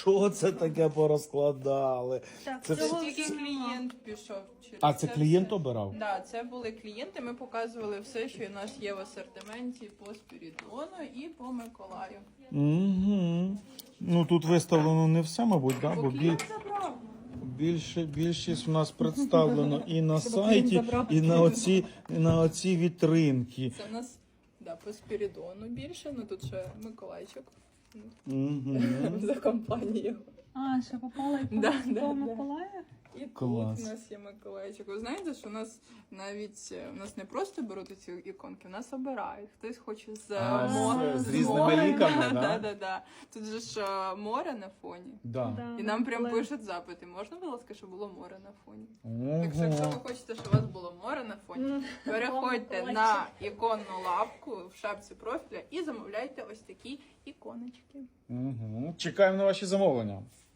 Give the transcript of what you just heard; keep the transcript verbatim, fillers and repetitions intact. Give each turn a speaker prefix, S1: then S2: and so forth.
S1: Що це таке порозкладали?
S2: Так,
S1: Це
S2: це
S1: все-
S2: тільки
S1: це-
S2: клієнт пішов. через
S1: А це клієнт
S2: все.
S1: обирав?
S2: Да, це були клієнти. Ми показували все, що у нас є в асортименті по Спірідону і по Миколаю.
S1: Угу. Ну тут виставлено не все, мабуть, да? бо біль...
S2: Клієнт забрав.
S1: більше, більшість у нас представлено і на сайті, і на оці, і на оці вітринки.
S2: Це в нас да, по Спірідону більше, ну тут ще Миколайчик
S1: Угу.
S2: за компанією.
S3: А, ще попала і по
S2: Да, да,
S3: до
S2: да.
S3: Миколая?
S2: І
S1: Клас.
S2: тут у нас є Миколайчик. Ви знаєте, що у нас навіть е, у нас не просто беруть ці іконки, у нас обирають. Хтось хоче з, е,
S1: А, з-
S2: мо-
S1: з різними
S2: морем.
S1: ліками, да?
S2: да, да, да. Тут же ж е, море на фоні.
S1: Да.
S2: І нам прям
S3: Але-
S2: пишуть запити. Можна, будь ласка, щоб було море на фоні? Так що, якщо ви
S1: Ого.
S2: хочете, щоб у вас було море на фоні, переходьте на іконну лавку в шапці профіля і замовляйте ось такі іконочки.
S1: Угу. Чекаємо на ваші замовлення.